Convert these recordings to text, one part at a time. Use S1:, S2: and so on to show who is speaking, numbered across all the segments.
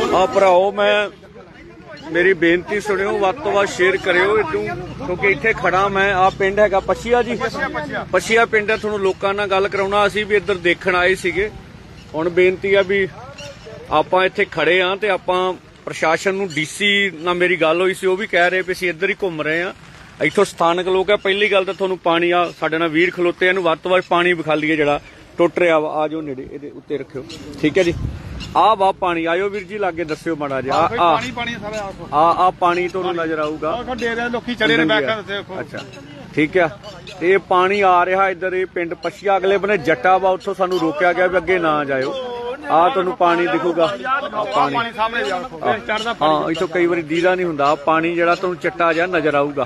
S1: ਆ ਭਰਾਓ ਮੈਂ ਮੇਰੀ ਬੇਨਤੀ ਸੁਣਿਓ, ਵੱਧ ਤੋਂ ਵੱਧ ਸ਼ੇਅਰ ਕਰਿਓ ਇਦੋਂ, ਕਿਉਂਕਿ ਇੱਥੇ ਖੜਾ ਮੈਂ। ਆ ਪਿੰਡ ਹੈਗਾ ਪਛੀਆ ਜੀ, ਪਛੀਆ ਪਿੰਡ ਹੈ। ਤੁਹਾਨੂੰ ਲੋਕਾਂ ਨਾਲ ਗੱਲ ਕਰਾਉਣਾ, ਅਸੀਂ ਵੀ ਇੱਧਰ ਦੇਖਣ ਆਏ ਸੀਗੇ। ਹੁਣ ਬੇਨਤੀ ਆ ਵੀ ਆਪਾਂ ਇੱਥੇ ਖੜੇ ਆ ਤੇ ਆਪਾਂ ਪ੍ਰਸ਼ਾਸਨ ਨੂੰ, ਡੀਸੀ ਨਾਲ ਮੇਰੀ ਗੱਲ ਹੋਈ ਸੀ, ਉਹ ਵੀ ਕਹਿ ਰਹੇ ਵੀ ਅਸੀਂ ਇੱਧਰ ਹੀ ਘੁੰਮ ਰਹੇ ਆ। ਇੱਥੋਂ ਸਥਾਨਕ ਲੋਕ ਆ। ਪਹਿਲੀ ਗੱਲ ਤਾਂ ਤੁਹਾਨੂੰ ਪਾਣੀ, ਆ ਸਾਡੇ ਨਾਲ ਵੀਰ ਖਲੋਤੇ, ਇਹਨੂੰ ਵੱਧ ਤੋਂ ਵੱਧ ਪਾਣੀ ਵਿਖਾਲੀਏ ਜਿਹੜਾ ਟੁੱਟ ਰਿਹਾ ਵਾ। ਆ ਜਾਓ ਨੇੜੇ, ਇਹਦੇ ਉੱਤੇ ਰੱਖਿਓ, ਠੀਕ ਹੈ ਜੀ। ਆ ਵਾ ਪਾਣੀ, ਆਇਓ ਵੀਰ ਜੀ ਲਾਗੇ ਦੱਸਿਓ ਮਾੜਾ ਜਿਹਾ। ਆ ਪਾਣੀ ਤੁਹਾਨੂੰ ਨਜ਼ਰ ਆਊਗਾ,
S2: ਲੋਕੀ ਚੜੇ ਨੇ ਬੈਠ ਕੇ।
S1: ਅੱਛਾ ਠੀਕ ਆ। ਇਹ ਪਾਣੀ ਆ ਰਿਹਾ ਇੱਧਰ, ਇਹ ਪਿੰਡ ਪਛੀਆ ਅਗਲੇ ਬੰਨੇ ਜੱਟਾ ਵਾ, ਉੱਥੋਂ ਸਾਨੂੰ ਰੋਕਿਆ ਗਿਆ ਵੀ ਅੱਗੇ ਨਾ ਜਾਇਓ। ਆ ਤੁਹਾਨੂੰ ਪਾਣੀ ਦਿਖੂਗਾ, ਪਾਣੀ ਹਾਂ ਇੱਥੋਂ ਕਈ ਵਾਰੀ ਦੀਦਾ ਨਹੀਂ ਹੁੰਦਾ। ਪਾਣੀ ਜਿਹੜਾ ਤੁਹਾਨੂੰ ਚਿੱਟਾ ਜਿਹਾ ਨਜ਼ਰ ਆਊਗਾ।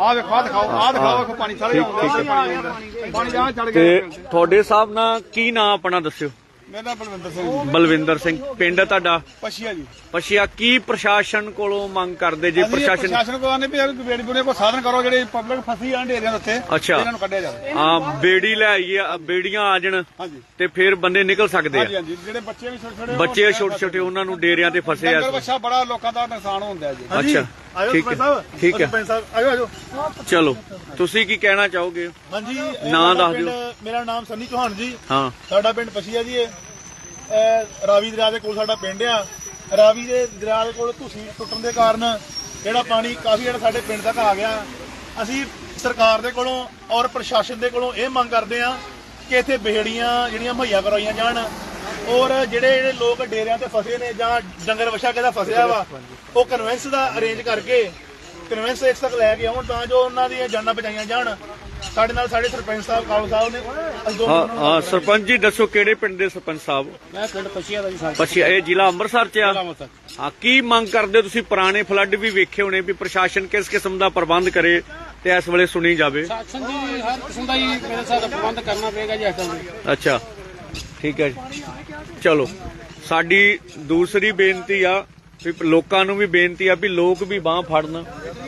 S1: ਤੇ ਤੁਹਾਡੇ ਹਿਸਾਬ ਨਾਲ ਕੀ ਨਾਂ ਆਪਣਾ ਦੱਸਿਓ?
S2: ਮੇਰਾ ਬਲਵਿੰਦਰ ਸਿੰਘ।
S1: ਬਲਵਿੰਦਰ ਸਿੰਘ। ਪਿੰਡ ਤੁਹਾਡਾ
S2: ਪਛੀਆ ਜੀ।
S1: ਪਛੀਆ। ਕੀ ਪ੍ਰਸ਼ਾਸਨ ਕੋਲੋਂ ਮੰਗ ਕਰਦੇ ਜੇ?
S2: ਪ੍ਰਸ਼ਾਸਨ ਕੋਲ ਆਨੇ ਵੀ ਬੇੜੀ ਬੁੜੇ ਕੋ ਸਾਧਨ ਕਰੋ, ਜਿਹੜੇ ਪਬਲਿਕ ਫਸੀ ਆਂ ਢੇਰੀਆਂ ਉੱਤੇ, ਇਹਨਾਂ ਨੂੰ ਕੱਢਿਆ ਜਾਵੇ।
S1: ਹਾਂ ਬੇੜੀ ਲੈ ਆਈਏ, ਬੇੜੀਆਂ ਆ ਜਾਣ ਤੇ ਫਿਰ ਬੰਦੇ ਨਿਕਲ ਸਕਦੇ ਆ।
S2: ਹਾਂਜੀ, ਜਿਹੜੇ ਬੱਚੇ ਵੀ ਛੋਟੇ
S1: ਬੱਚੇ ਛੋਟੇ ਛੋਟੇ ਉਹਨਾਂ ਨੂੰ ਡੇਰਿਆਂ ਤੇ ਫਸੇ ਆ।
S2: ਬੱਚਾ ਬੜਾ ਲੋਕਾਂ ਦਾ ਨੁਕਸਾਨ ਹੁੰਦਾ ਜੀ।
S1: ਅੱਛਾ ਠੀਕ ਹੈ, ਠੀਕ ਹੈ।
S2: ਆਜੋ
S1: ਚਲੋ ਤੁਸੀਂ ਕੀ ਕਹਿਣਾ ਚਾਹੋਗੇ?
S2: ਹਾਂਜੀ
S1: ਨਾਂ ਦੱਸ ਦਿਓ।
S2: ਮੇਰਾ ਨਾਮ ਸੰਨੀ ਚੌਹਾਨ ਜੀ।
S1: ਹਾਂ,
S2: ਸਾਡਾ ਪਿੰਡ ਪਛੀਆ ਜੀ। ਰਾਵੀ ਦਰਿਆ ਦੇ ਕੋਲ ਸਾਡਾ ਪਿੰਡ ਆ। ਰਾਵੀ ਦੇ ਦਰਿਆ ਦੇ ਕੋਲ ਧੂਸੀ ਟੁੱਟਣ ਦੇ ਕਾਰਨ ਜਿਹੜਾ ਪਾਣੀ ਕਾਫੀ ਜਿਹੜਾ ਸਾਡੇ ਪਿੰਡ ਤੱਕ ਆ ਗਿਆ। ਅਸੀਂ ਸਰਕਾਰ ਦੇ ਕੋਲੋਂ ਔਰ ਪ੍ਰਸ਼ਾਸਨ ਦੇ ਕੋਲੋਂ ਇਹ ਮੰਗ ਕਰਦੇ ਆ ਕਿ ਇੱਥੇ ਬੇੜੀਆਂ ਜਿਹੜੀਆਂ ਮੁਹੱਈਆ ਕਰਵਾਈਆਂ ਜਾਣ, ਔਰ ਜਿਹੜੇ ਲੋਕ ਡੇਰਿਆਂ ਤੇ ਫਸੇ ਨੇ ਜਾਂ ਡੰਗਰ ਵਛਾ ਕਿਹਦਾ ਫਸਿਆ ਵਾ, ਉਹ ਕਨਵੈਂਸ ਦਾ ਅਰੇਂਜ ਕਰਕੇ ਕਨਵੈਂਸ ਇੱਕ ਤੱਕ ਲੈ ਕੇ ਆਉਣ, ਤਾਂ ਜੋ ਉਹਨਾਂ ਦੀਆਂ ਜਾਨਾਂ ਬਚਾਈਆਂ ਜਾਣ। ਸਾਡੇ ਨਾਲ ਸਾਡੇ ਸਰਪੰਚ ਸਾਹਿਬ ਕਾਲੂ ਸਾਹਿਬ ਨੇ।
S1: ਹਾਂ ਸਰਪੰਚ ਜੀ ਦੱਸੋ, ਕਿਹੜੇ ਪਿੰਡ ਦੇ ਸਰਪੰਚ ਸਾਹਿਬ?
S2: ਮੈਂ ਪਿੰਡ ਪਛੀਆ ਦਾ ਜੀ।
S1: ਪਛੀਆ, ਇਹ ਜ਼ਿਲ੍ਹਾ ਅੰਮ੍ਰਿਤਸਰ ਚ ਆ। ਹਾਂ, ਕੀ ਮੰਗ ਕਰਦੇ? ਤੁਸੀਂ ਪੁਰਾਣੇ ਫਲੱਡ ਵੀ ਵੇਖੇ ਹੋਣੇ, ਵੀ ਪ੍ਰਸ਼ਾਸਨ ਕਿਸ ਕਿਸਮ ਦਾ ਪ੍ਰਬੰਧ ਕਰੇ ਤੇ ਇਸ ਵੇਲੇ ਸੁਣੀ ਜਾਵੇ।
S2: ਪ੍ਰਸ਼ਾਸਨ ਜੀ ਹਰ ਕਿਸਮ ਦਾ ਹੀ ਮੇਰੇ ਸਾਥ ਪ੍ਰਬੰਧ ਕਰਨਾ ਪਏਗਾ ਜੀ।
S1: ਅੱਛਾ ਠੀਕ ਹੈ ਜੀ। ਚਲੋ ਸਾਡੀ ਦੂਸਰੀ ਬੇਨਤੀ ਆ ਵੀ ਲੋਕਾਂ ਨੂੰ ਵੀ ਬੇਨਤੀ ਆ ਵੀ ਲੋਕ ਵੀ ਬਾਂਹ ਫੜਨ।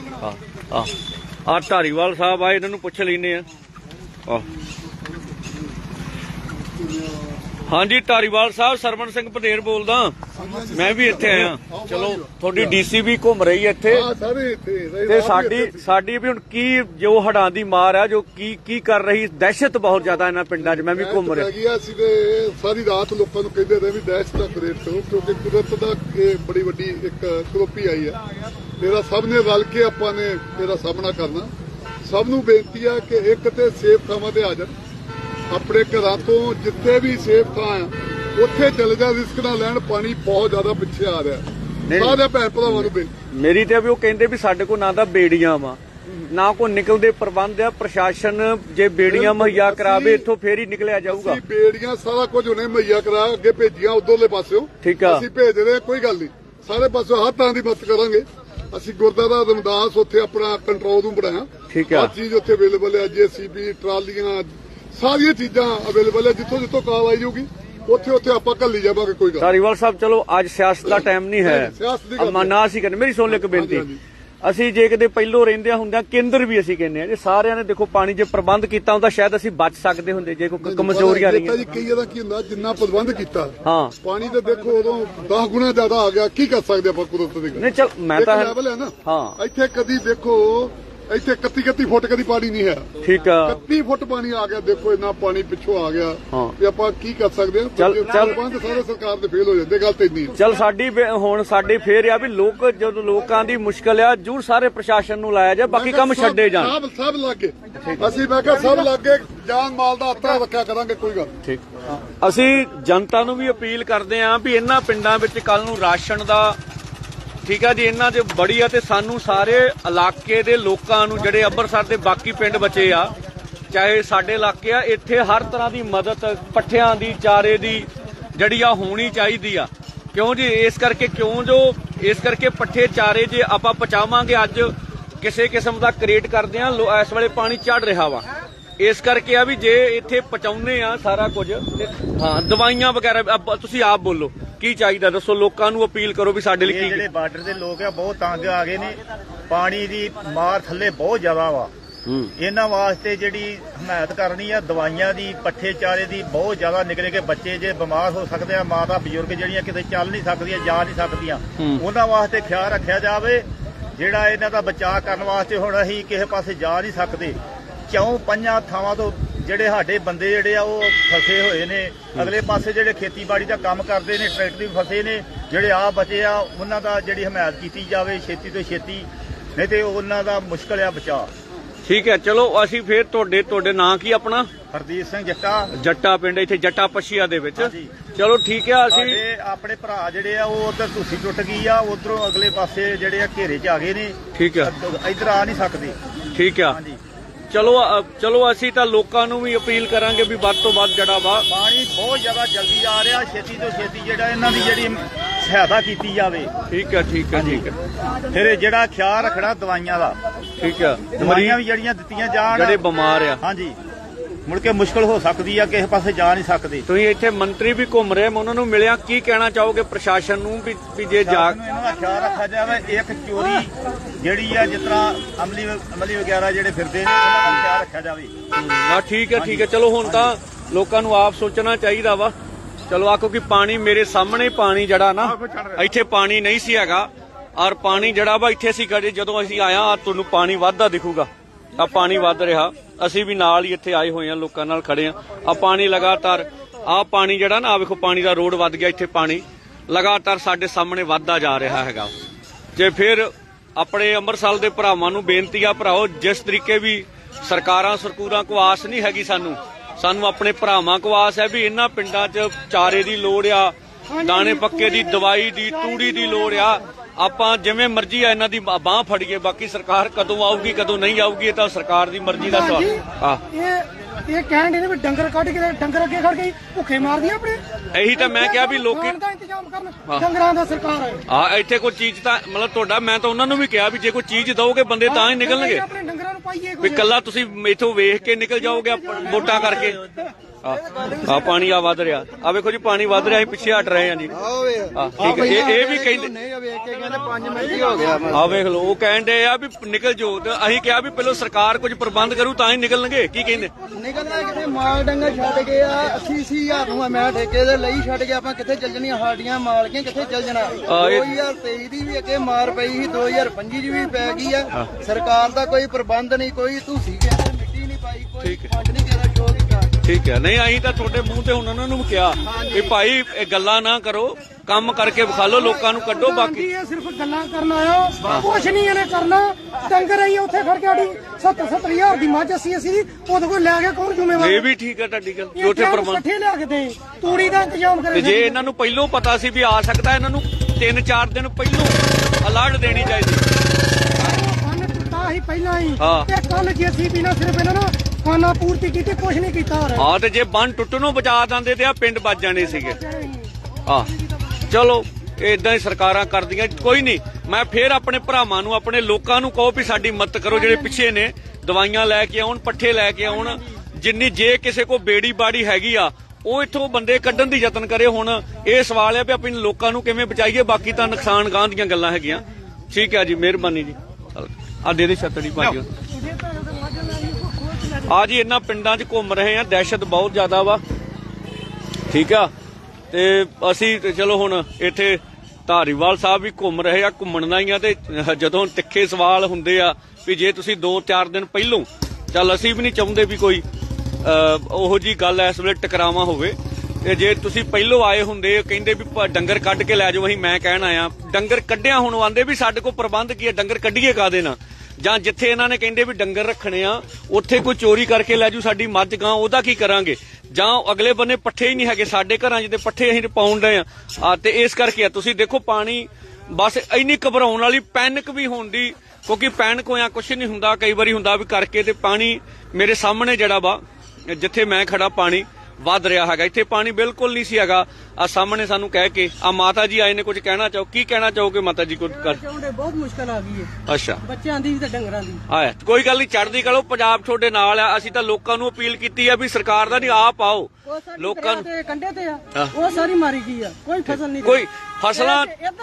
S1: ਆ ਧਾਰੀਵਾਲ ਸਾਹਿਬ ਆ, ਇਹਨਾਂ ਨੂੰ ਪੁੱਛ ਲੈਨੇ ਆ। ਹਾਂਜੀ ਧਾਰੀਵਾਲ ਸਾਹਿਬ, ਸਰਵਣ ਸਿੰਘ ਪਟੇਲ ਬੋਲਦਾ। ਮੈਂ ਵੀ ਇੱਥੇ ਆਇਆ। ਚਲੋ ਤੁਹਾਡੀ ਡੀਸੀ ਵੀ ਘੁੰਮ ਰਹੀ ਹੈ ਇੱਥੇ, ਤੇ ਸਾਡੀ ਵੀ ਹੁਣ ਕੀ ਜੋ ਹੜਾਂ ਦੀ ਮਾਰ ਆ, ਜੋ ਕੀ ਕਰ ਰਹੀ, ਦਹਿਸ਼ਤ ਬਹੁਤ ਜ਼ਿਆਦਾ ਇਹਨਾਂ ਪਿੰਡਾਂ 'ਚ। ਮੈਂ ਵੀ ਘੁੰਮ ਰਿਹਾ।
S3: ਅਸੀਂ ਸਾਰੀ ਰਾਤ ਲੋਕਾਂ ਨੂੰ ਕਹਿੰਦੇ ਰਹੇ ਵੀ ਦਹਿਸ਼ਤ ਦਾ ਕ੍ਰੀਏਟ ਕਰੋ, ਕਿਉਂਕਿ ਕੁਦਰਤ ਦਾ ਇਹ ਬੜੀ ਵੱਡੀ ਇੱਕ ਕਰੋਪੀ ਆਈ ਆ। ਇਹਦਾ ਸਭ ਨੇ ਰਲ ਕੇ ਆਪਾਂ ਨੇ ਇਹਦਾ ਸਾਹਮਣਾ ਕਰਨਾ। ਸਭ ਨੂੰ ਬੇਨਤੀ ਆ ਕਿ ਇੱਕ ਤੇ ਸੇਫ ਥਾਵਾਂ ਤੇ ਆ ਜਾਣ, ਆਪਣੇ ਘਰਾਂ ਤੋਂ ਜਿੱਥੇ ਵੀ ਸੇਫ ਥਾਂ ਆ ਉੱਥੇ ਚਲੇ ਜਾ, ਰਿਸਕ ਨਾ ਲੈਣ। ਪਾਣੀ ਬਹੁਤ ਜ਼ਿਆਦਾ ਪਿੱਛੇ ਆ ਰਿਹਾ। ਸਾਰੇ ਭੈਣ ਭਰਾਵਾਂ ਨੂੰ
S1: ਮੇਰੀ ਤੇ ਵੀ ਉਹ ਕਹਿੰਦੇ ਵੀ ਸਾਡੇ ਕੋਲ ਨਾ ਤਾਂ ਬੇੜੀਆਂ ਵਾ, ਨਾ ਕੋਈ ਨਿਕਲਦੇ ਪ੍ਰਬੰਧ ਆ। ਪ੍ਰਸ਼ਾਸਨ ਜੇ ਬੇੜੀਆਂ ਮੁਹੱਈਆ ਕਰਾਵੇ ਇੱਥੋਂ ਫੇਰ ਹੀ ਨਿਕਲਿਆ ਜਾਊਗਾ।
S3: ਬੇੜੀਆਂ ਸਾਰਾ ਕੁਝ ਉਹਨੇ ਮੁਹੱਈਆ ਕਰਾ ਅੱਗੇ ਭੇਜੀਆਂ ਉਧਰਲੇ ਪਾਸਿਓਂ।
S1: ਠੀਕ ਆ,
S3: ਅਸੀਂ ਭੇਜ ਰਹੇ, ਕੋਈ ਗੱਲ ਨਹੀਂ। ਸਾਰੇ ਪਾਸਿਓਂ ਹਰ ਤਰ੍ਹਾਂ ਦੀ ਮਦਦ ਕਰਾਂਗੇ। ਅਸੀਂ ਗੁਰਦੁਆਰਾ ਰਮਦਾਸ ਉੱਥੇ ਆਪਣਾ ਕੰਟਰੋਲ ਰੂਮ ਬਣਾਇਆ।
S1: ਠੀਕ ਆ,
S3: ਹਰ ਚੀਜ਼ ਉੱਥੇ ਅਵੇਲੇਬਲ ਹੈ। JCB ਟਰਾਲੀਆਂ ਸਾਰੀਆਂ ਚੀਜ਼ਾਂ ਅਵੇਲੇਬਲ ਹੈ। ਜਿੱਥੋਂ ਕਾਲ ਆਈ ਜਾਊਗੀ ਉੱਥੇ ਆਪਾਂ ਘੱਲੀ ਜਾਵਾਂਗੇ। ਕੋਈ ਗੱਲ।
S1: ਧਾਰੀਵਾਲ ਸਾਹਿਬ ਚਲੋ ਅੱਜ ਸਿਆਸਤ ਦਾ ਟਾਈਮ ਨਹੀਂ ਹੈ, ਨਾ ਅਸੀਂ ਕਹਿੰਦੇ। ਮੇਰੀ ਸੁਣ ਲੈ ਇੱਕ ਬੇਨਤੀ, ਅਸੀਂ ਜੇ ਕਿਤੇ ਪਹਿਲੋਂ ਰਹਿੰਦਿਆਂ ਹੁੰਦਿਆਂ ਕੇਂਦਰ ਵੀ ਅਸੀਂ ਕਹਿੰਦੇ ਆ, ਜੇ ਸਾਰਿਆਂ ਨੇ ਦੇਖੋ ਪਾਣੀ ਜੇ ਪ੍ਰਬੰਧ ਕੀਤਾ ਹੁੰਦਾ ਸ਼ਾਇਦ ਅਸੀਂ ਬਚ ਸਕਦੇ ਹੁੰਦੇ। ਜੇ ਕੋਈ ਕਮਜ਼ੋਰੀਆਂ ਰਹੀਆਂ
S3: ਜੀ, ਕਈ ਜਗ੍ਹਾ ਕੀ ਹੁੰਦਾ, ਜਿੰਨਾ ਪ੍ਰਬੰਧ ਕੀਤਾ
S1: ਹਾਂ
S3: ਪਾਣੀ ਤੇ ਦੇਖੋ ਉਦੋਂ 10 ਗੁਣਾ ਜ਼ਿਆਦਾ ਆ ਗਿਆ। ਕੀ ਕਰ ਸਕਦੇ ਆਪਾਂ ਕੁਦਰਤ ਦੇ?
S1: ਨਹੀਂ ਚਲ ਮੈਂ ਤਾਂ
S3: ਲੈਵਲ ਹੈ ਨਾ।
S1: ਹਾਂ
S3: ਇੱਥੇ ਕਦੀ ਦੇਖੋ, ਇੱਥੇ 31 ਫੁੱਟ ਕਦੀ ਪਾਣੀ ਨਹੀਂ ਹੈ।
S1: ਠੀਕ ਆ,
S3: 31 ਫੁੱਟ ਪਾਣੀ ਆ ਗਿਆ। ਦੇਖੋ ਇੰਨਾ ਪਾਣੀ ਪਿੱਛੋਂ ਆ ਗਿਆ ਤੇ ਆਪਾਂ ਕੀ ਕਰ ਸਕਦੇ ਹਾਂ?
S1: ਚੱਲ
S3: ਸਾਰੇ ਸਰਕਾਰ ਦੇ ਫੇਲ ਹੋ ਜਾਂਦੇ। ਗੱਲ ਤੇ ਇੰਨੀ
S1: ਚੱਲ ਸਾਡੀ ਹੁਣ ਸਾਡੀ ਫੇਰ ਆ ਵੀ ਲੋਕ ਜਦੋਂ ਲੋਕਾਂ ਦੀ ਮੁਸ਼ਕਲ ਆ ਜਰੂਰ ਸਾਰੇ ਪ੍ਰਸ਼ਾਸਨ ਨੂੰ ਲਾਇਆ ਜਾ, ਬਾਕੀ ਕੰਮ ਛੱਡੇ ਜਾਣ।
S3: ਸਭ ਲੱਗੇ, ਅਸੀਂ ਮੈਂ ਕਿਹਾ ਸਭ ਲੱਗੇ, ਜਾਨ ਮਾਲ ਦਾ ਹੱਥ ਰੱਖਿਆ ਕਰਾਂਗੇ। ਕੋਈ ਗੱਲ
S1: ਠੀਕ। ਅਸੀਂ ਜਨਤਾ ਨੂੰ ਵੀ ਅਪੀਲ ਕਰਦੇ ਆਂ ਵੀ ਇਹਨਾਂ ਪਿੰਡਾਂ ਵਿੱਚ ਕੱਲ ਨੂੰ ਰਾਸ਼ਨ ਦਾ, ਠੀਕ ਆ ਜੀ, ਇਹਨਾਂ ਦੇ ਬੜੀ ਆ। ਤੇ ਸਾਨੂੰ ਸਾਰੇ ਇਲਾਕੇ ਦੇ ਲੋਕਾਂ ਨੂੰ, ਜਿਹੜੇ ਅੰਮ੍ਰਿਤਸਰ ਦੇ ਬਾਕੀ ਪਿੰਡ ਬਚੇ ਆ, ਚਾਹੇ ਸਾਡੇ ਇਲਾਕੇ ਆ, ਇੱਥੇ ਹਰ ਤਰ੍ਹਾਂ ਦੀ ਮਦਦ ਪੱਠਿਆਂ ਦੀ, ਚਾਰੇ ਦੀ ਜਿਹੜੀ ਆ ਹੋਣੀ ਚਾਹੀਦੀ ਆ। ਕਿਉਂ ਜੀ? ਇਸ ਕਰਕੇ ਪੱਠੇ ਚਾਰੇ ਜੇ ਆਪਾਂ ਪਹੁੰਚਾਵਾਂਗੇ, ਅੱਜ ਕਿਸੇ ਕਿਸਮ ਦਾ ਕ੍ਰੀਏਟ ਕਰਦੇ ਆ। ਇਸ ਵੇਲੇ ਪਾਣੀ ਚੜ ਰਿਹਾ ਵਾ, ਇਸ ਕਰਕੇ ਆ ਵੀ ਜੇ ਇੱਥੇ ਪਹੁੰਚਾਉਨੇ ਆ ਸਾਰਾ ਕੁਝ। ਹਾਂ ਦਵਾਈਆਂ ਵਗੈਰਾ, ਤੁਸੀਂ ਆਪ ਬੋਲੋ ਕੀ ਚਾਹੀਦਾ, ਦੱਸੋ। ਲੋਕਾਂ ਨੂੰ ਅਪੀਲ ਕਰੋ ਵੀ ਸਾਡੇ ਲਈ ਕੀ।
S4: ਜਿਹੜੇ ਬਾਰਡਰ ਦੇ ਲੋਕ ਆ ਬਹੁਤ ਤੰਗ ਆ ਗਏ ਨੇ। ਪਾਣੀ ਦੀ ਮਾਰ ਥੱਲੇ ਬਹੁਤ ਜ਼ਿਆਦਾ ਵਾ। ਇਹਨਾਂ ਵਾਸਤੇ ਜਿਹੜੀ ਹਮਾਇਤ ਕਰਨੀ ਆ, ਦਵਾਈਆਂ ਦੀ, ਪੱਠੇ ਚਾਰੇ ਦੀ, ਬਹੁਤ ਜ਼ਿਆਦਾ ਨਿਕਲੇ ਕੇ ਬੱਚੇ ਜੇ ਬਿਮਾਰ ਹੋ ਸਕਦੇ ਆ, ਮਾਤਾ ਬਜ਼ੁਰਗ ਜਿਹੜੀਆਂ ਕਿਤੇ ਚੱਲ ਨਹੀਂ ਸਕਦੀਆਂ, ਜਾ ਨਹੀਂ ਸਕਦੀਆਂ, ਉਹਨਾਂ ਵਾਸਤੇ ਖਿਆਲ ਰੱਖਿਆ ਜਾਵੇ। ਜਿਹੜਾ ਇਹਨਾਂ ਦਾ ਬਚਾਅ ਕਰਨ ਵਾਸਤੇ ਹੁਣ ਅਸੀਂ ਕਿਸੇ ਪਾਸੇ ਜਾ ਨਹੀਂ ਸਕਦੇ, 4-5 ਥਾਵਾਂ ਤੋਂ ਜਿਹੜੇ ਸਾਡੇ ਬੰਦੇ ਜਿਹੜੇ ਆ ਉਹ ਫਸੇ ਹੋਏ ਨੇ। ਅਗਲੇ ਪਾਸੇ ਜਿਹੜੇ ਖੇਤੀਬਾੜੀ ਦਾ ਕੰਮ ਕਰਦੇ ਨੇ, ਟਰੈਕਟਰ ਵੀ ਫਸੇ ਨੇ, ਜਿਹੜੇ ਆ ਬਚੇ ਆ ਉਹਨਾਂ ਦਾ ਜਿਹੜੀ ਹਮਾਇਤ ਕੀਤੀ ਜਾਵੇ ਛੇਤੀ ਤੋਂ ਛੇਤੀ, ਨਹੀਂ ਤੇ ਉਹਨਾਂ ਦਾ ਮੁਸ਼ਕਲ ਆ ਬਚਾਅ।
S1: ਠੀਕ ਹੈ, ਚਲੋ ਅਸੀਂ ਫਿਰ ਤੁਹਾਡੇ ਨਾਂ ਕੀ ਆਪਣਾ?
S4: ਹਰਦੀਪ ਸਿੰਘ
S1: ਜੱਟਾ ਪਿੰਡ, ਇੱਥੇ ਜੱਟਾ ਪਸ਼ੀਆ ਦੇ ਵਿੱਚ।
S4: ਹਾਂਜੀ।
S1: ਚਲੋ ਠੀਕ ਹੈ, ਅਸੀਂ
S4: ਸਾਡੇ ਆਪਣੇ ਭਰਾ ਜਿਹੜੇ ਆ ਉਹ ਉਧਰ ਧੂਸੀ ਟੁੱਟ ਗਈ ਆ, ਉਧਰੋਂ ਅਗਲੇ ਪਾਸੇ ਜਿਹੜੇ ਆ ਘੇਰੇ 'ਚ ਆ ਗਏ ਨੇ।
S1: ਠੀਕ ਹੈ,
S4: ਇੱਧਰ ਆ ਨਹੀਂ ਸਕਦੇ।
S1: ਠੀਕ ਆ।
S4: ਹਾਂਜੀ,
S1: ਚਲੋ ਅਸੀਂ ਤਾਂ ਲੋਕਾਂ ਨੂੰ ਵੀ ਅਪੀਲ ਕਰਾਂਗੇ ਵੀ ਵੱਧ ਤੋਂ ਵੱਧ ਜਿਹੜਾ ਵਾ
S4: ਪਾਣੀ ਬਹੁਤ ਜ਼ਿਆਦਾ ਜਲਦੀ ਆ ਰਿਹਾ, ਛੇਤੀ ਤੋਂ ਛੇਤੀ ਜਿਹੜਾ ਇਹਨਾਂ ਦੀ ਜਿਹੜੀ ਸਹਾਇਤਾ ਕੀਤੀ ਜਾਵੇ।
S1: ਠੀਕ ਹੈ, ਠੀਕ ਹੈ, ਠੀਕ ਹੈ।
S4: ਫਿਰ ਜਿਹੜਾ ਖਿਆਲ ਰੱਖਣਾ ਦਵਾਈਆਂ ਦਾ,
S1: ਠੀਕ ਹੈ,
S4: ਦਵਾਈਆਂ ਵੀ ਜਿਹੜੀਆਂ ਦਿੱਤੀਆਂ ਜਾਣ,
S1: ਜਿਹੜੇ ਬਿਮਾਰ ਆ।
S4: ਹਾਂਜੀ, ਮੁੜ ਕੇ ਮੁਸ਼ਕਲ ਹੋ ਸਕਦੀ ਆ, ਕਿਸੇ ਪਾਸੇ ਜਾ ਨਹੀਂ ਸਕਦੇ।
S1: ਤੁਸੀਂ ਇੱਥੇ ਮੰਤਰੀ ਵੀ ਘੁੰਮ ਰਹੇ, ਮੈਂ ਉਹਨਾਂ ਨੂੰ ਮਿਲਿਆ, ਕੀ ਕਹਿਣਾ ਚਾਹੋਗੇ ਪ੍ਰਸ਼ਾਸਨ ਨੂੰ ਵੀ ਜੇ ਜਾ
S4: ਇਹਨਾਂ ਦਾ ਖਿਆਲ ਰੱਖਿਆ ਜਾਵੇ। ਇੱਕ ਚੋਰੀ ਜਿਹੜੀ ਆ, ਜਿਸ ਤਰ੍ਹਾਂ ਅਮਲੀ ਵਗੈਰਾ ਜਿਹੜੇ ਫਿਰਦੇ ਨੇ, ਉਹਨਾਂ ਦਾ ਖਿਆਲ ਰੱਖਿਆ ਜਾਵੇ।
S1: ਠੀਕ ਹੈ, ਠੀਕ ਹੈ। ਚਲੋ ਹੁਣ ਤਾਂ ਲੋਕਾਂ ਨੂੰ ਆਪ ਸੋਚਣਾ ਚਾਹੀਦਾ ਵਾ। ਚਲੋ ਆ, ਕਿਉਂਕਿ ਪਾਣੀ ਮੇਰੇ ਸਾਹਮਣੇ, ਪਾਣੀ ਜਿਹੜਾ ਨਾ ਇੱਥੇ ਪਾਣੀ ਨਹੀਂ ਸੀ ਹੈਗਾ, ਔਰ ਪਾਣੀ ਜਿਹੜਾ ਵਾ ਇੱਥੇ ਅਸੀਂ ਖੜੇ, ਜਦੋਂ ਅਸੀਂ ਆਇਆ ਤੁਹਾਨੂੰ ਪਾਣੀ ਵੱਧਦਾ ਦਿਖੂਗਾ। ਆ ਪਾਣੀ ਵੱਧ ਰਿਹਾ, ਅਸੀਂ ਵੀ ਨਾਲ ਹੀ ਇੱਥੇ ਆਏ ਹੋਏ ਆ, ਲੋਕਾਂ ਨਾਲ ਖੜੇ ਆ। ਆ ਪਾਣੀ ਲਗਾਤਾਰ, ਆ ਪਾਣੀ ਜਿਹੜਾ ਨਾ, ਆ ਵੇਖੋ ਪਾਣੀ ਦਾ ਰੋਡ ਵੱਧ ਗਿਆ, ਇੱਥੇ ਪਾਣੀ ਲਗਾਤਾਰ ਸਾਡੇ ਸਾਹਮਣੇ ਵੱਧਦਾ ਜਾ ਰਿਹਾ ਹੈਗਾ। ਜੇ ਫਿਰ ਆਪਣੇ ਅੰਮ੍ਰਿਤਸਰ ਦੇ ਭਰਾਵਾਂ ਨੂੰ ਬੇਨਤੀ ਆ, ਭਰਾਓ, ਜਿਸ ਤਰੀਕੇ ਵੀ ਸਰਕਾਰਾਂ ਕੋ ਆਸ ਨਹੀਂ ਹੈਗੀ, ਸਾਨੂੰ ਆਪਣੇ ਭਰਾਵਾਂ ਕੋ ਆਸ ਹੈ ਵੀ ਇਹਨਾਂ ਪਿੰਡਾਂ 'ਚ ਚਾਰੇ ਦੀ ਲੋੜ ਆ, ਦਾਣੇ ਪੱਕੇ ਦੀ, ਦਵਾਈ ਦੀ, ਤੂੜੀ ਦੀ ਲੋੜ ਆ। ਆਪਾਂ ਜਿਵੇਂ ਮਰਜ਼ੀ ਆ ਇਹਨਾਂ ਦੀ ਬਾਹ ਫੜੀਏ, ਬਾਕੀ ਸਰਕਾਰ ਕਦੋਂ ਆਊਗੀ ਕਦੋਂ ਨਹੀਂ ਆਊਗੀ ਇਹ ਤਾਂ ਸਰਕਾਰ ਦੀ ਮਰਜ਼ੀ ਦਾ ਸਵਾਲ ਆ।
S5: ਇਹ ਕਹਿਣ ਦੇ ਵੀ ਡੰਗਰ ਕੱਢ ਕੇ ਡੰਗਰ ਅੱਗੇ ਖੜ ਗਈ, ਭੁੱਖੇ ਮਾਰਦੀਆਂ ਆਪਣੇ।
S1: ਇਹੀ ਤਾਂ ਮੈਂ ਕਿਹਾ ਵੀ ਲੋਕੀ
S5: ਦਾ ਇੰਤਜ਼ਾਮ ਕਰਨ, ਡੰਗਰਾਂ ਦਾ ਸਰਕਾਰ ਹੈ।
S1: ਆ ਇੱਥੇ ਕੋਈ ਚੀਜ਼ ਤਾਂ ਮਤਲਬ ਤੁਹਾਡਾ, ਮੈਂ ਤਾਂ ਉਹਨਾਂ ਨੂੰ ਵੀ ਕਿਹਾ ਵੀ ਜੇ ਕੋਈ ਚੀਜ਼ ਦਓਗੇ ਬੰਦੇ ਤਾਂ ਹੀ ਨਿਕਲਣਗੇ,
S5: ਆਪਣੇ ਡੰਗਰਾਂ ਨੂੰ ਪਾਈਏ
S1: ਵੀ ਕੱਲਾ ਤੁਸੀਂ ਇੱਥੋਂ ਵੇਖ ਕੇ ਨਿਕਲ ਜਾਓਗੇ ਵੋਟਾਂ ਕਰਕੇ। ਆ ਪਾਣੀ ਆ ਵੱਧ ਰਿਹਾ, ਆ ਵੇਖੋ ਜੀ ਪਾਣੀ ਵੱਧ ਰਿਹਾ, ਅਸੀਂ ਪਿੱਛੇ ਹਟ ਰਹੇ ਹਾਂ ਜੀ। ਠੀਕ ਹੈ, ਇਹ ਵੀ ਕਹਿੰਦੇ
S5: 5 ਮਿੰਟ ਹੀ ਹੋ ਗਿਆ।
S1: ਆ ਵੇਖ ਲਓ, ਉਹ ਕਹਿੰਦੇ ਆ ਵੀ ਨਿਕਲ ਜਾਓ, ਤੇ ਅਸੀਂ ਕਿਹਾ ਵੀ ਪਹਿਲਾਂ ਸਰਕਾਰ ਕੁਝ ਪ੍ਰਬੰਧ ਕਰੂ ਤਾਂ ਹੀ ਨਿਕਲਣਗੇ। ਕੀ ਕਹਿੰਦੇ?
S5: ਨਿਕਲਣਾ ਕਿਤੇ ਮਾਲ ਡੰਗਰ ਛੱਡ ਗਏ ਆ, 80,000 ਨੂੰ ਮੈਂ ਠੇਕੇ ਦੇ ਲਈ ਛੱਡ ਗਿਆ, ਆਪਾਂ ਕਿੱਥੇ ਚੱਲ ਜਣੀਆਂ, ਸਾਡੀਆਂ ਮਾਲਕੀਆਂ ਕਿੱਥੇ ਚੱਲ ਜਾਣਾ। 2023 ਦੀ ਵੀ ਅੱਗੇ ਮਾਰ ਪਈ ਸੀ, 2025 ਦੀ ਵੀ ਪੈ ਗਈ ਆ। ਸਰਕਾਰ ਦਾ ਕੋਈ ਪ੍ਰਬੰਧ ਨਹੀਂ, ਕੋਈ ਤੁਸੀਂ ਕਹਿੰਦੇ ਮਿੱਟੀ ਨਹੀਂ ਪਾਈ, ਕੋਈ ਫੰਡ ਨਹੀਂ ਕਿਹੜਾ ਸ਼ੋਅ ਕੀਤਾ।
S1: ਠੀਕ ਹੈ, ਨਹੀਂ ਅਸੀਂ ਤਾਂ ਤੁਹਾਡੇ ਮੂੰਹ ਤੇ ਹੁਣ ਉਹਨਾਂ ਨੂੰ ਕਿਹਾ ਵੀ ਭਾਈ ਇਹ ਗੱਲਾਂ ਨਾ ਕਰੋ, ਕੰਮ ਕਰਕੇ ਵਿਖਾ ਲਓ, ਲੋਕਾਂ ਨੂੰ ਕੱਢੋ। ਬਾਕੀ
S5: ਇਹ ਸਿਰਫ ਗੱਲਾਂ ਕਰਨ ਆਇਆ, ਕੁਛ ਨਹੀਂ ਇਹਨੇ ਕਰਨਾ। ਡੰਗਰ ਆਈ ਉੱਥੇ ਖੜ ਕੇ ਆੜੀ 70,000 ਦੀ ਮੱਝ ਅਸੀਂ ਉਹਦੇ ਕੋਲ ਲੈ ਕੇ ਕੌਣ ਜ਼ਿੰਮੇਵਾਰ?
S1: ਇਹ ਵੀ ਠੀਕ ਹੈ ਤੁਹਾਡੀ ਗੱਲ, ਉੱਥੇ ਪ੍ਰਬੰਧ
S5: ਇਕੱਠੇ ਲਿਆ ਕੇ ਦੇ, ਤੂੜੀ ਦਾ ਇੰਤਜ਼ਾਮ ਕਰੇ।
S1: ਤੇ ਜੇ ਇਹਨਾਂ ਨੂੰ ਪਹਿਲੋਂ ਪਤਾ ਸੀ ਵੀ ਆ ਸਕਦਾ, ਇਹਨਾਂ ਨੂੰ 3-4 ਦਿਨ ਪਹਿਲੋਂ ਅਲਰਟ ਦੇਣੀ ਚਾਹੀਦੀ।
S5: ਕੰਨ ਟੁੱਟਾ ਸੀ ਪਹਿਲਾਂ ਹੀ,
S1: ਹਾਂ।
S5: ਤੇ ਕੱਲ ਜੀਸੀਬੀ ਨਾਲ ਸਿਰਫ ਇਹਨਾਂ ਨੂੰ ਖਾਣਾ ਪੂਰਤੀ ਕੀਤੀ, ਕੁਛ ਨਹੀਂ ਕੀਤਾ।
S1: ਹਾਂ, ਤੇ ਜੇ ਬੰਨ ਟੁੱਟਣੋਂ ਬਚਾ ਦਿੰਦੇ ਤੇ ਆ ਪਿੰਡ ਬਚ ਜਾਣੇ ਸੀਗੇ। ਚਲੋ ਇਦਾਂ ਹੀ ਸਰਕਾਰਾਂ ਕਰਦੀਆਂ, ਕੋਈ ਨਹੀਂ। ਮੈਂ ਫੇਰ ਆਪਣੇ ਭਰਾਵਾਂ ਨੂੰ, ਆਪਣੇ ਲੋਕਾਂ ਨੂੰ ਕਹੋ ਵੀ ਸਾਡੀ ਮਦਦ ਕਰੋ, ਜਿਹੜੇ ਪਿੱਛੇ ਨੇ, ਦਵਾਈਆਂ ਲੈ ਕੇ ਆਉਣ, ਪੱਠੇ ਲੈ ਕੇ ਆਉਣ, ਜਿੰਨੀ ਜੇ ਕਿਸੇ ਕੋ ਬੇੜੀ ਬਾੜੀ ਹੈਗੀ ਆ ਉਹ ਇੱਥੋਂ ਬੰਦੇ ਕੱਢਣ ਦੀ ਯਤਨ ਕਰੇ। ਹੁਣ ਇਹ ਸਵਾਲ ਹੈ ਵੀ ਆਪਣੇ ਲੋਕਾਂ ਨੂੰ ਕਿਵੇਂ ਬਚਾਈਏ, ਬਾਕੀ ਤਾਂ ਨੁਕਸਾਨ ਗਾਂ ਦੀਆਂ ਗੱਲਾਂ ਹੈਗੀਆਂ। ਠੀਕ ਹੈ ਜੀ, ਮਿਹਰਬਾਨੀ ਜੀ। ਆ ਦੇ ਛੱਤੜੀ ਭਾਜੀ। ਆ ਜੀ ਇਹਨਾਂ ਪਿੰਡਾਂ 'ਚ ਘੁੰਮ ਰਹੇ ਆ, ਦਹਿਸ਼ਤ ਬਹੁਤ ਜ਼ਿਆਦਾ ਵਾ। ਠੀਕ ਆ, ਤੇ ਅਸੀਂ ਚਲੋ ਹੁਣ ਇੱਥੇ ਧਾਰੀਵਾਲ ਸਾਹਿਬ ਵੀ ਘੁੰਮ ਰਹੇ ਆ, ਘੁੰਮਣਾ ਹੀ ਆ। ਤੇ ਜਦੋਂ ਤਿੱਖੇ ਸਵਾਲ ਹੁੰਦੇ ਆ ਵੀ ਜੇ ਤੁਸੀਂ 2-4 ਦਿਨ ਪਹਿਲੋਂ, ਚੱਲ ਅਸੀਂ ਵੀ ਨਹੀਂ ਚਾਹੁੰਦੇ ਵੀ ਕੋਈ ਉਹੋ ਜੀ ਗੱਲ ਇਸ ਵੇਲੇ ਟਕਰਾਵਾ ਹੋਵੇ, ਤੇ ਜੇ ਤੁਸੀਂ ਪਹਿਲੋਂ ਆਏ ਹੁੰਦੇ, ਕਹਿੰਦੇ ਵੀ ਡੰਗਰ ਕੱਢ ਕੇ ਲੈ ਜਾਓ, ਅਸੀਂ ਮੈਂ ਕਹਿਣ ਆਇਆ ਡੰਗਰ ਕੱਢਿਆ, ਹੁਣ ਆਂਦੇ ਵੀ ਸਾਡੇ ਕੋਲ ਪ੍ਰਬੰਧ ਕੀ ਹੈ, ਡੰਗਰ ਕੱਢੀਏ ਕਾਹਦੇ ਨਾਲ? ਜਾਂ ਜਿੱਥੇ ਇਹਨਾਂ ਨੇ ਕਹਿੰਦੇ ਵੀ ਡੰਗਰ ਰੱਖਣੇ ਆ, ਉੱਥੇ ਕੋਈ ਚੋਰੀ ਕਰਕੇ ਲੈ ਜੂ ਸਾਡੀ ਮੱਝ ਗਾਂ, ਉਹਦਾ ਕੀ ਕਰਾਂਗੇ? ਜਾਂ ਅਗਲੇ ਬੰਨੇ ਪੱਠੇ ਹੀ ਨਹੀਂ ਹੈਗੇ ਸਾਡੇ ਘਰਾਂ 'ਚ, ਤੇ ਪੱਠੇ ਅਸੀਂ ਪਾਉਣ ਡਏ ਆ। ਤੇ ਇਸ ਕਰਕੇ ਤੁਸੀਂ ਦੇਖੋ ਪਾਣੀ ਬਸ ਇੰਨੀ ਘਬਰਾਉਣ ਵਾਲੀ, ਪੈਨਿਕ ਵੀ ਹੋਣ ਦੀ, ਕਿਉਂਕਿ ਪੈਨਿਕ ਹੋਇਆ ਕੁਛ ਨਹੀਂ ਹੁੰਦਾ, ਕਈ ਵਾਰੀ ਹੁੰਦਾ ਵੀ ਕਰਕੇ। ਤੇ ਪਾਣੀ ਮੇਰੇ ਸਾਹਮਣੇ ਜਿਹੜਾ ਵਾ, ਜਿੱਥੇ ਮੈਂ ਖੜਾ, ਪਾਣੀ ਵੱਧ ਰਿਹਾ ਹੈਗਾ। ਇੱਥੇ ਪਾਣੀ ਬਿਲਕੁਲ ਨਹੀਂ ਸੀ ਹੈਗਾ। ਆ ਸਾਹਮਣੇ ਸਾਨੂੰ ਕਹਿ ਕੇ ਆ ਮਾਤਾ ਜੀ ਆਏ ਨੇ, ਕੁਝ ਕਹਿਣਾ ਚਾਹੋ? ਕੀ ਕਹਿਣਾ ਚਾਹੋਗੇ ਮਾਤਾ ਜੀ? ਕੁਝ ਕਰ
S5: ਬਹੁਤ ਮੁਸ਼ਕਲ ਆ ਗਈ ਹੈ।
S1: ਅੱਛਾ,
S5: ਬੱਚਿਆਂ ਦੀ ਤੇ ਡੰਗਰਾਂ ਦੀ।
S1: ਆਇਆ ਕੋਈ ਗੱਲ ਨਹੀਂ, ਚੜ੍ਹਦੀ ਕਲੋ, ਪੰਜਾਬ ਤੁਹਾਡੇ ਨਾਲ ਆ। ਅਸੀਂ ਤਾਂ ਲੋਕਾਂ ਨੂੰ ਅਪੀਲ ਕੀਤੀ ਆ ਵੀ ਸਰਕਾਰ ਦਾ ਨਹੀਂ, ਆਪ ਆਓ ਲੋਕਾਂ ਨੂੰ।
S5: ਕੰਢੇ ਤੇ ਆ, ਉਹ ਸਾਰੀ ਮਾਰੀ ਗਈ ਆ, ਕੋਈ ਫਸਲ ਨਹੀਂ,
S1: ਕੋਈ ਫਸਲਾਂ
S5: ਇੱਧਰ ਆ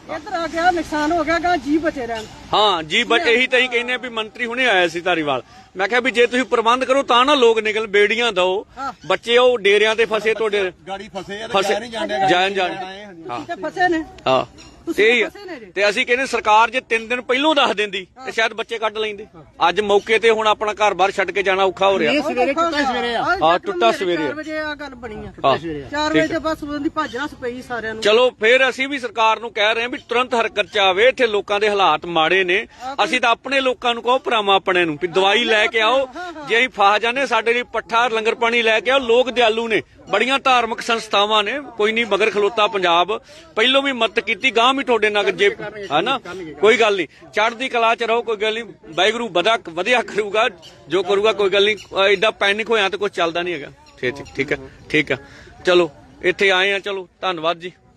S6: ਇੱਧਰ ਆ ਗਿਆ ਨੁਕਸਾਨ ਹੋ ਗਿਆ ਗਾ ਜੀ ਬਚੇ ਰਹਿਣ।
S1: ਹਾਂ ਜੀ ਇਹੀ ਤਾਂ ਹੀ ਕਹਿੰਦੇ ਆ ਵੀ ਮੰਤਰੀ ਹੁਣੇ ਆਇਆ ਸੀ ਧਾਰੀਵਾਲ। ਮੈਂ ਕਿਹਾ ਵੀ ਜੇ ਤੁਸੀਂ ਪ੍ਰਬੰਧ ਕਰੋ ਤਾਂ ਨਾ ਲੋਕ ਨਿਕਲ, ਬੇੜੀਆਂ ਦਓ, ਬੱਚੇ ਉਹ ਡੇਰਿਆਂ ਤੇ ਫਸੇ, ਤੁਹਾਡੇ
S2: ਗਾੜੀ ਫਸੇ
S1: ਜਾਣ ਹਾਂ
S6: ਤੇ ਫਸੇ ਨੇ
S1: ਹਾਂ ਤੇ ਅਸੀਂ ਕਹਿੰਦੇ ਸਰਕਾਰ ਜੇ 3 ਦਿਨ ਪਹਿਲੋਂ ਦੱਸ ਦਿੰਦੀ ਤੇ ਸ਼ਾਇਦ ਬੱਚੇ ਕੱਢ ਲੈਂਦੇ। ਅੱਜ ਮੌਕੇ ਤੇ ਹੁਣ ਆਪਣਾ ਘਰ-ਬਾਰ ਛੱਡ ਕੇ ਜਾਣਾ ਔਖਾ ਹੋ ਰਿਹਾ।
S6: ਸਵੇਰੇ ਟੁੱਟਾ ਸਵੇਰੇ
S1: ਟੁੱਟਾ ਸਵੇਰੇ
S6: 4 ਵਜੇ ਆ ਗੱਲ ਬਣੀ ਆ। 4 ਵਜੇ ਤੇ ਬਸ ਉਹਦੀ ਭੱਜਣਾ ਪਈ ਸਾਰਿਆਂ ਨੂੰ।
S1: ਚਲੋ ਫਿਰ ਅਸੀਂ ਵੀ ਸਰਕਾਰ ਨੂੰ ਕਹਿ ਰਹੇ ਹਾਂ ਵੀ ਤੁਰੰਤ ਹਰਕਤ ਚ ਆਵੇ। ਇੱਥੇ ਲੋਕਾਂ ਦੇ ਹਾਲਾਤ ਮਾੜੇ ਨੇ। ਅਸੀਂ ਤਾਂ ਆਪਣੇ ਲੋਕਾਂ ਨੂੰ ਕਹੋ, ਭਰਾਵਾਂ ਆਪਣੇ ਨੂੰ, ਵੀ ਦਵਾਈ ਲੈ ਕੇ ਆਓ। ਜੇ ਅਸੀਂ ਫਸ ਜਾਂਦੇ ਸਾਡੇ ਲਈ ਪੱਠਾ ਲੰਗਰ ਪਾਣੀ ਲੈ ਕੇ ਆਓ। ਲੋਕ ਦਿਆਲੂ ਨੇ, ਬੜੀਆਂ ਧਾਰਮਿਕ ਸੰਸਥਾਵਾਂ ਨੇ, ਕੋਈ ਨਹੀਂ ਮਗਰ ਖਲੋਤਾ ਪੰਜਾਬ। ਪਹਿਲੋਂ ਵੀ ਮਦਦ ਕੀਤੀ, ਗਾਂ ਵੀ ਤੁਹਾਡੇ ਨਾਲ ਜੇ ਹਨਾ ਕੋਈ ਗੱਲ ਨਹੀਂ, ਚੜ੍ਹਦੀ ਕਲਾ ਚ ਰਹੋ, ਕੋਈ ਗੱਲ ਨਹੀਂ। ਵਾਹਿਗੁਰੂ ਵਧੀਆ ਕਰੂਗਾ ਜੋ ਕਰੂਗਾ, ਕੋਈ ਗੱਲ ਨਹੀਂ। ਏਡਾ ਪੈਨਿਕ ਹੋਇਆ ਤਾਂ ਕੁਝ ਚੱਲਦਾ ਨਹੀਂ ਹੈਗਾ। ਠੀਕ ਹੈ ਚਲੋ ਇੱਥੇ ਆਏ ਆ, ਚਲੋ ਧੰਨਵਾਦ ਜੀ।